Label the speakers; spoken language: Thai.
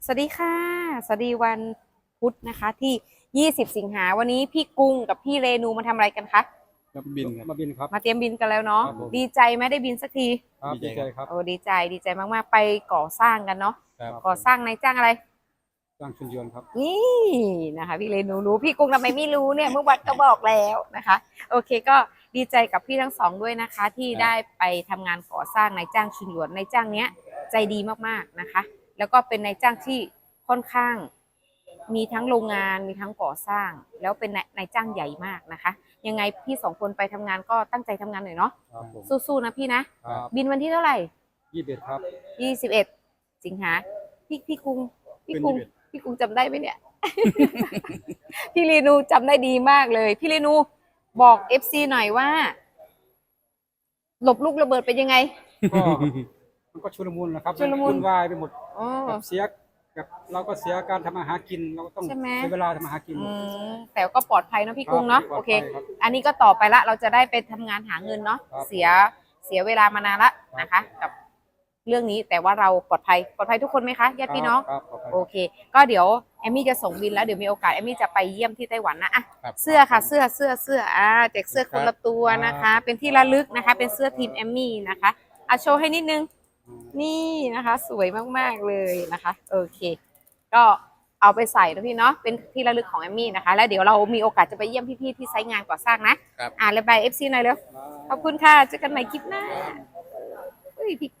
Speaker 1: สวัสดีค่ะสวัสดีวันพุธนะคะที่20สิงหาวันนี้พี่กุ้งกับพี่เรนูมาทำอะไรกันคะ
Speaker 2: มาบินครับมาบินครับ
Speaker 1: มาเตรียมบินกันแล้วเนาะ
Speaker 2: ครับผม
Speaker 1: ดีใจไหมได้บินสักที
Speaker 2: ครับดีใจครับ
Speaker 1: โอ้ดีใจมากๆไปก่อสร้างกันเนาะ
Speaker 2: ครับ
Speaker 1: ก่อสร้างในจ้างอะไร
Speaker 2: จ้างชุนยนต์ครับ
Speaker 1: นี่นะคะพี่เรนูรู้พี่กุ้งทำไมไม่รู้เนี่ยเมื่อวันก็บอกแล้วนะคะโอเคก็ดีใจกับพี่ทั้งสองด้วยนะคะที่ได้ไปทำงานก่อสร้างในจ้างชุนหยวนในจ้างเนี้ยใจดีมากๆนะคะแล้วก็เป็นในจ้างที่ค่อนข้างมีทั้งโรงงานมีทั้งก่อสร้างแล้วเป็นนายจ้างใหญ่มากนะคะยังไงพี่สองคนไปทำงานก็ตั้งใจทำงานหน่อยเนาะ
Speaker 2: ครับผม
Speaker 1: สู้ๆนะพี่นะครับ บินวันที่เท่าไหร่
Speaker 2: 21ครับ
Speaker 1: 21สิงหาพี่กุงพี่กุงพี่กุงจำได้ไหมเนี่ย พี่เรนูจำได้ดีมากเลยพี่เรนูบอก FC หน่อยว่าหลบลูกระเบิดเป็นยังไง
Speaker 2: ก็มันก็ชุลมุนนะครับ
Speaker 1: ชุลมุน
Speaker 2: วุ่นวายไปหมด
Speaker 1: อ๋อ
Speaker 2: แบบเสียแบบเราก็เสียการทำอาหารกินเราก็ต้อง
Speaker 1: ใช่ไหม
Speaker 2: ใช้เวลาทำอาหารกิน
Speaker 1: แต่ก็ปลอดภัยเนาะพี่กุ้งเนาะ
Speaker 2: ครับ
Speaker 1: โอเค
Speaker 2: ปลอดภัยครับ
Speaker 1: อันนี้ก็ต่อไปละเราจะได้ไปทำงานหาเงินเนาะ
Speaker 2: ครับ
Speaker 1: เสียเวลามานานละนะคะ กับเรื่องนี้แต่ว่าเราปลอดภัยทุกคนไหมคะญาติพี่น้อง
Speaker 2: ครับปลอดภัย
Speaker 1: โอเคก็เดี๋ยวแอมมี่จะส่งบินแล้วเดี๋ยวมีโอกาสแอมมี่จะไปเยี่ยมที่ไต้หวันนะอ่ะเสื้อค่ะเสื้อแจกเสื้อคนละตัวนะคะ เป็นที่ระลึกนะคะ เป็นเสื้อทีมแอมมี่นะคะอ่ะโชว์ให้นิดนึงนี่นะคะสวยมากๆเลยนะคะโอเคก็เอาไปใส่นะพี่เนาะเป็นที่ระลึกของแอมมี่นะคะแล้วเดี๋ยวเรามีโอกาสจะไปเยี่ยมพี่ๆที่ไซต์งานก่อสร้างนะระบาย FC หน่อยเร็วขอบคุณค่ะเจอกันใหม่คลิปหน้าเฮ้ยพี่